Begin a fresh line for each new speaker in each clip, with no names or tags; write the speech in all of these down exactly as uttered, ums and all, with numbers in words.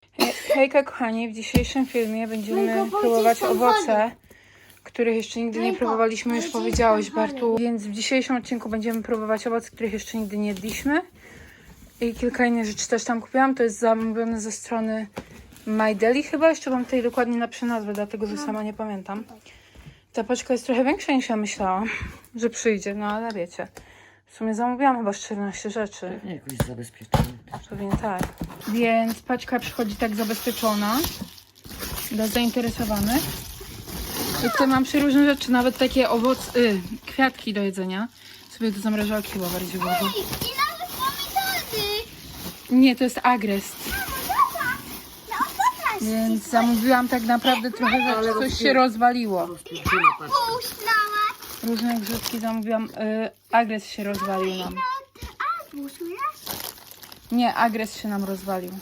He- Hejka kochani, w dzisiejszym filmie będziemy
Hejka,
próbować
są
owoce, których jeszcze nigdy nie
Hejka,
próbowaliśmy, już
hejka,
powiedziałeś
są fajne.
Bartu. Więc w dzisiejszym odcinku będziemy próbować owoce, których jeszcze nigdy nie jedliśmy. I kilka innych rzeczy też tam kupiłam, to jest zamówione ze strony My Deli chyba, jeszcze mam tutaj dokładnie napiszę nazwę, dlatego że sama nie pamiętam. Ta paczka jest trochę większa niż ja myślałam, że przyjdzie, no ale wiecie. W sumie zamówiłam chyba czternaście rzeczy.
Nie, jakoś zabezpieczony.
Pewnie tak. Więc paczka przychodzi tak zabezpieczona dla zainteresowanych. I tutaj mam przeróżne rzeczy, nawet takie owoc, y, kwiatki do jedzenia. Sobie do zamrażalki chyba bardziej włożę.
I nawet pomidory.
Nie, to jest agrest.
No popatrz.
Więc zamówiłam tak naprawdę trochę rzeczy, coś się rozwaliło.
Rozpierdziela paczka.
Puszczała.
Różne grzybki zamówiłam, y, agrest się rozwalił nam.
A, puszczała?
Nie, agrest się nam rozwalił.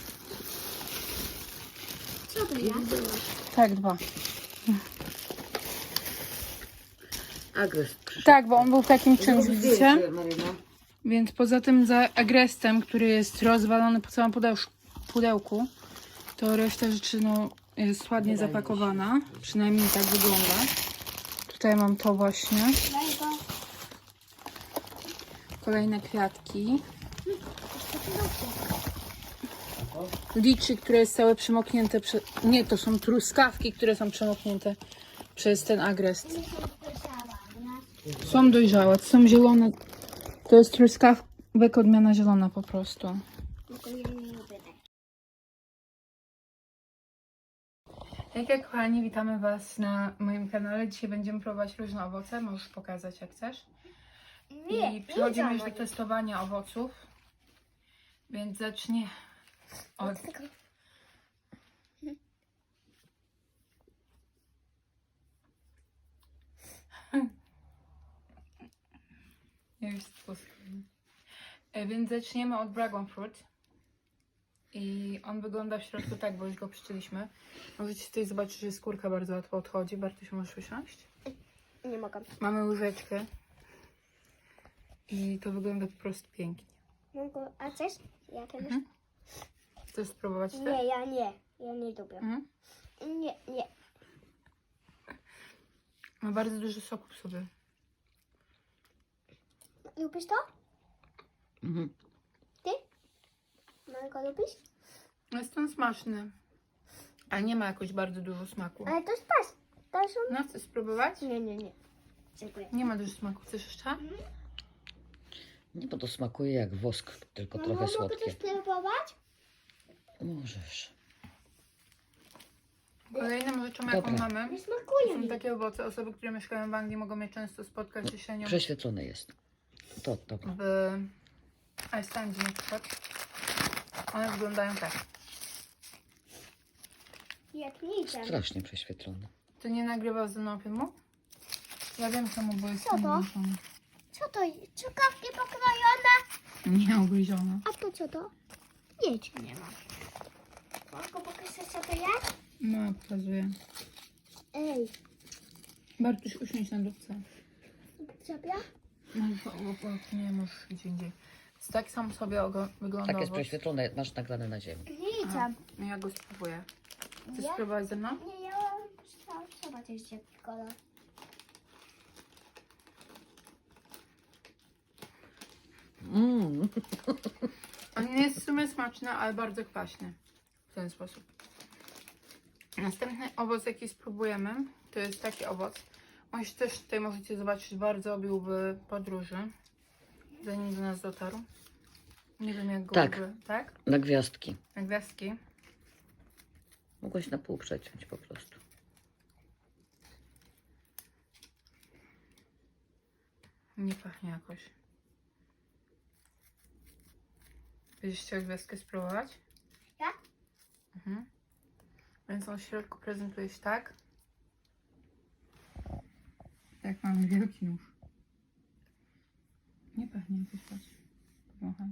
Co to ja?
Tak, dwa.
Agres przyszedł.
Tak, bo on był w takim czymś,
Zrób
widzicie?
zdjęcie, Maryna.
Więc poza tym za agrestem, który jest rozwalony po całym pudełsz- pudełku, to reszta rzeczy no, jest ładnie
Wydaje mi się.
zapakowana. Przynajmniej tak wygląda. Tutaj mam to właśnie.
Daj go.
Kolejne kwiatki. Liczy, które jest całe przemoknięte. Prze... Nie, to są truskawki, które są przemoknięte przez ten agrest. Są dojrzałe, to są zielone. To jest truskawek odmiana zielona po prostu.
Tylko ja nie lubię tak.
Hejka kochani, witamy Was na moim kanale. Dzisiaj będziemy próbować różne owoce. Możesz pokazać jak chcesz.
Nie,
I przechodzimy
nie
już do testowania owoców. Więc zacznie od... Ja już spuszczam. E, Więc zaczniemy od Dragon Fruit. I on wygląda w środku tak, bo już go przyczyliśmy. Możecie tutaj zobaczyć, że skórka bardzo łatwo odchodzi. Bartuś, możesz usiąść?
Nie mogę.
Mamy łyżeczkę. I to wygląda po prostu pięknie.
Mogę, a chcesz? Ja też?
Mhm. Chcesz spróbować ty?
Nie, ja nie. Ja nie lubię.
Mhm.
Nie, nie.
Ma bardzo dużo soku w sobie.
Lubisz to?
Mhm.
Ty? Mango lubisz?
Jest on smaczny. Ale nie ma jakoś bardzo dużo smaku.
Ale to jest pas. To są...
No, chcesz spróbować?
Nie, nie, nie. Dziękuję.
Nie ma dużo smaku. Chcesz jeszcze?
Nie, bo to smakuje jak wosk, tylko
Mamo,
trochę
mogę
słodkie.
też spróbować?
Możesz.
Kolejną rzeczą, jaką
Dobra.
mamy,
Nie
to
smakuje
są
mi.
takie owoce. Osoby, które mieszkają w Anglii, mogą je często spotkać jesienią
Prześwietlone jest. To, dobra.
w Icelandzie na przykład. One wyglądają tak.
Jak nicem.
Strasznie prześwietlone.
Ty nie nagrywasz ze mną filmu? Ja wiem czemu, bo jest
Co to?
włączony.
Co to jest? Czekawki pokrojone?
Nie ugryzione.
A to co to? Nic nie ma. Mogę pokazać co to jest?
No, pokazuję.
Ej,
Bartuś, usiądź na dupce.
sobie?
No, bo- bo- bo nie możesz gdzie indziej. Więc tak sam sobie ogo- wygląda
Tak jest
owoc.
prześwietlone, masz nagrane na ziemi.
Aha,
Nicem.
no ja go spróbuję. Chcesz
Ja?
spróbować ze mną?
Nie, ja mam zobaczyć jaki kolor.
Mm.
On nie jest w sumie smaczny, ale bardzo kwaśny. W ten sposób. Następny owoc, jaki spróbujemy, to jest taki owoc. On się też tutaj możecie zobaczyć, bardzo obił w podróży, zanim do nas dotarł. Nie wiem jak go
Tak.
w ogóle- tak?
Na gwiazdki.
Na gwiazdki.
Mogłaś na pół przeciąć po prostu.
Nie pachnie jakoś. Będziesz chciał gwiazdkę spróbować?
Ja?
Mhm. Więc on w środku prezentuje się tak. Jak mamy wielki nóż. Nie pachnie jakoś patrz. Powąchaj.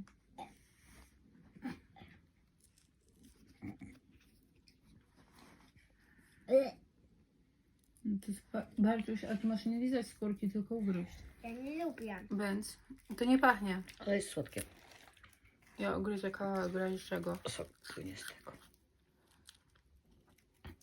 No to jest ba- Bartuś, a ty masz nie lizać skórki, tylko ugryźć.
Ja nie lubię.
Więc to nie pachnie.
Ale jest słodkie.
Ja ugryzę kawałek w razie czego.
Sok płynie z tego.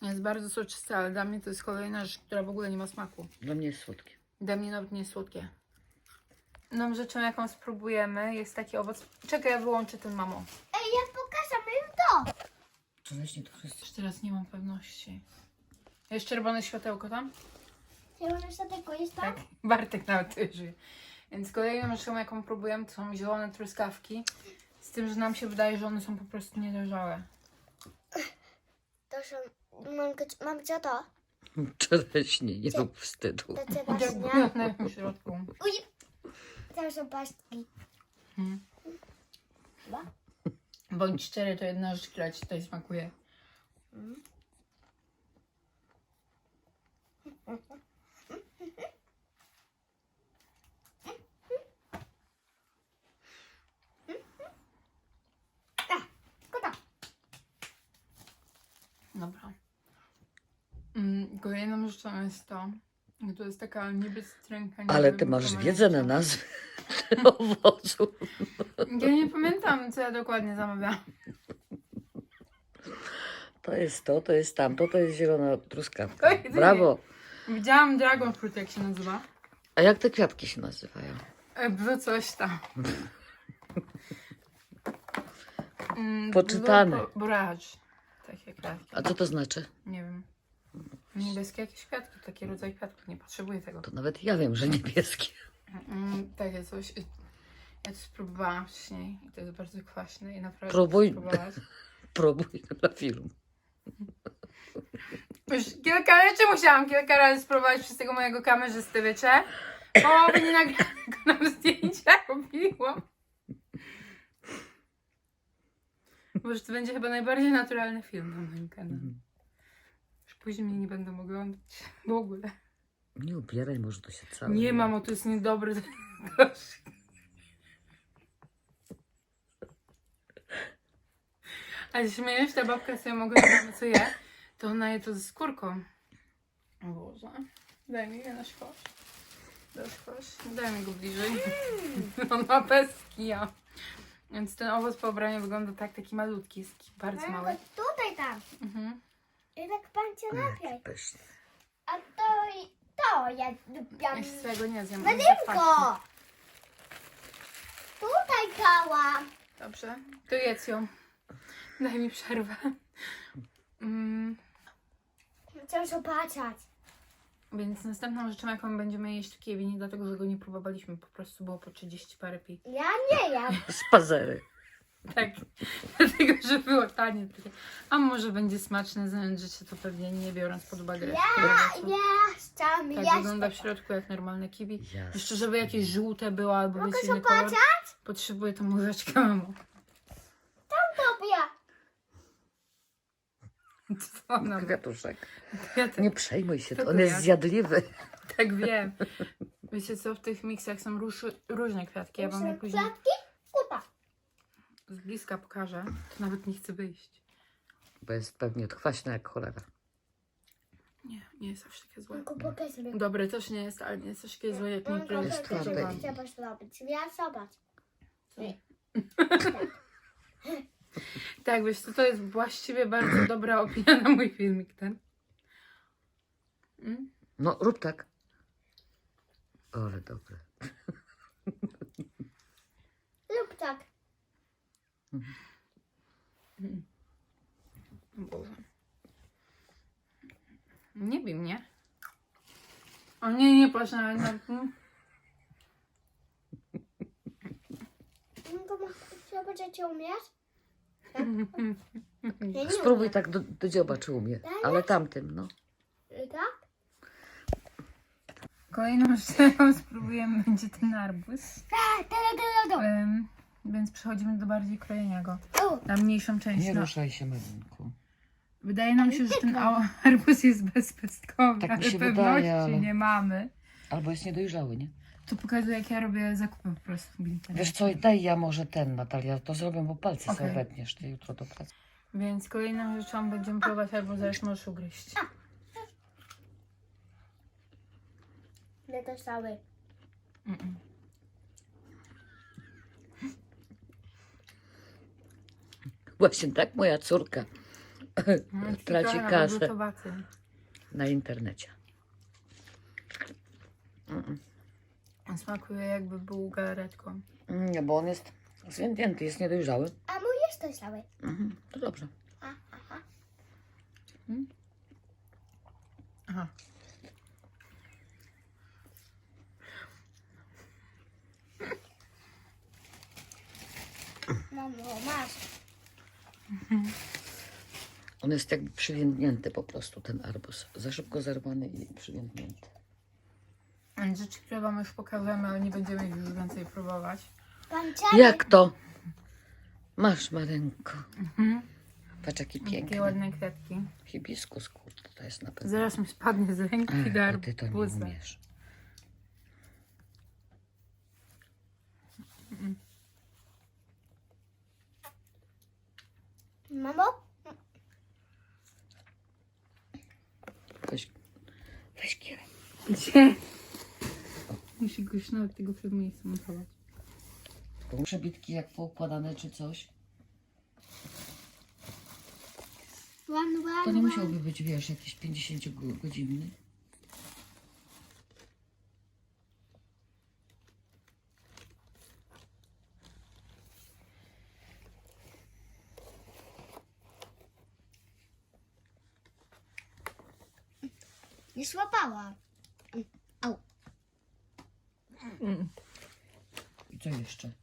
Jest bardzo soczyste, ale dla mnie to jest kolejna rzecz, która w ogóle nie ma smaku.
Dla mnie jest słodkie.
Dla mnie nawet nie jest słodkie.Ną rzeczą, jaką spróbujemy, jest taki owoc. Czekaj, ja wyłączę ten, mamo.
Ej, ja pokażę im to.
Czereśnie to wszyscy.
Już teraz nie mam pewności. Jest czerwone światełko tam?
Czerwone światełko jest tam?
Tak. Bartek nawet tu żyje. Więc kolejną rzeczą, jaką próbujemy, to są zielone truskawki. Z tym, że nam się wydaje, że one są po prostu niedojrzałe.
To są... Mam, mam co to?
Czereśnie, nie rób wstydu.
To cię
Jak
właśnie.
one w środku.
Uj! To są pastki.
Hmm.
Chyba?
Bądź szczery, to jedna rzecz, która ci tutaj smakuje.
Kota.
Dobra. Mm, kolejną rzeczą jest to, że to jest taka niby stręka. nie
Ale
wiem,
ty masz
pomarańcza.
wiedzę na nazwy owoców.
Ja nie pamiętam, co ja dokładnie zamawiałam.
To jest to, to jest tamto, to jest zielona truskawka.
Oj, ty nie.
Brawo.
Widziałam dragon fruit, jak się nazywa.
A jak te kwiatki się nazywają?
E, Było coś tam. Mm,
Poczytane.
było Borage. Takie kwiatki.
A co to znaczy?
Nie wiem. Niebieskie jakieś kwiatki, taki rodzaj kwiatków. Nie potrzebuję tego.
To nawet ja wiem, że niebieskie.
Mm, takie coś. Ja to spróbowałam wcześniej i to jest bardzo kwaśne i naprawdę
Próbuj.
spróbować.
Próbuj na film.
Już kilka rzeczy musiałam kilka razy spróbować przez tego mojego kamerzysty, wiecie? Połowy nie nagranego nam zdjęcia robiłam. Boże, to będzie chyba najbardziej naturalny film na moim kanale. Już później mnie nie będą oglądać w ogóle.
Nie ubieraj, może to się całe.
Nie, mamo, to jest niedobre. Ale śmiejesz, ta babka sobie mogła nie wiemy co je, to ona je to ze skórką. O Boże. Daj mi je na szkosz. Do szkosz. Daj mi go bliżej. On ma pestki, ja. Więc ten owoc po obraniu wygląda tak, taki malutki, jest taki bardzo mały.
Mam go tutaj tam.
Mhm.
I tak pan cię napiej.
Pyszne.
A to i to ja lubiam.
Ja się swojego nie zjem. on jest za kwaśny.
Wadymko! Tutaj kałam.
Dobrze, to jedz ją. Daj mi przerwę. Mm,
Chcę zobaczyć.
więc następną rzeczą, jaką będziemy jeść w Kijowie, nie dlatego, że go nie próbowaliśmy, po prostu było po trzydzieści parę pi.
Ja nie jem.
Spazery.
Tak, dlatego, że było tanie. Takie. A może będzie smaczne, znając życie, to pewnie nie biorąc pod uwagę resztę
Ja
owocu.
nie chcę
Tak
jeść.
wygląda w środku jak normalne kiwi.
Jasne.
Jeszcze, żeby jakieś żółte było albo
Mogę
być inny kolor,
zobaczyć?
potrzebuję tą łyżeczkę, mamo.
Tobie.
Co ona ma?
Kwiatuszek.
Ja tak,
Nie przejmuj się, to
To
on
to
jest
jak?
zjadliwy.
tak wiem. Wiecie co, w tych miksach są róż, różne kwiatki. Ja wam je później
Kwiatki? Kuta.
z bliska pokażę. To nawet nie chcę wyjść.
Bo jest pewnie kwaśna jak cholera.
Nie, nie jest aż takie złe.
Tylko pokaż mi.
Dobre też nie jest, ale nie jest aż takie złe jak niektóre
jest
rzeczy.
twarde.
Trzeba zrobić. Ja zobacz.
Tak, wiesz co, to jest właściwie bardzo dobra opinia na mój filmik ten. Mm?
No, rób tak. O, ale dobre.
Lub tak.
O Boże. Nie bij mnie. O nie, nie patrz na mnie. Mm.
Tylko trzeba będziecie umieć? Ja nie
Spróbuj tak do, do dzioba, czy umie. Ale tamtym, no.
umiem. Tak?
Kolejną rzeczą, jaką spróbujemy, będzie ten arbuz.
Tak, tak, tak, tak.
Ym, więc przechodzimy do bardziej krojenia go.
O,
Na mniejszą część.
Nie
No,
ruszaj się, Marynku.
wydaje nam się, że ten a- arbuz jest bezpestkowy,
Tak mi
ale
się
pewności
wydaje, ale-
nie mamy.
Albo jest niedojrzały, nie?
To pokazuje, jak ja robię zakupy po prostu w internecie.
Wiesz co, daj ja może ten, Natalia, to zrobię, bo palce sobie
Okej.
wetniesz ty jutro do pracy.
Więc kolejną rzeczą będziemy próbować arbuza, już możesz ugryźć.
nie to cały.
Mm-mm.
Właśnie tak moja córka
No,
traci
trochę
kasę
gotowacy.
na internecie. Mm,
On smakuje jakby był galaretką.
mm. Nie, bo on jest zwiędnięty, jest niedojrzały.
A mój jest to cały.
Mhm, to dobrze.
A, aha.
Aha.
Mamo, masz.
On jest jakby przywiędnięty po prostu, ten arbuz. Za szybko zerwany i przywiędnięty.
Rzeczy, które wam już pokażemy, ale nie będziemy ich już więcej próbować.
Pan Czarek.
Jak to? Masz, Marenko.
Mhm.
Patrz, jaki
Takie
piękny.
ładne kwiatki.
Hibiskus, kurde, to jest na pewno.
Zaraz mi spadnie z ręki
Ach,
dar
bo ty to nie
arbuza.
umiesz.
Mamo?
Weź, weź kierę.
Gdzie? Muszę go już nawet tego przed miejscem montować.
Przebitki jak poukładane czy coś.
Łam, łam,
To nie
łam.
musiałby być, wiesz, jakiś pięćdziesięciogodzinny.
Nie złapała. Au.
I co jeszcze?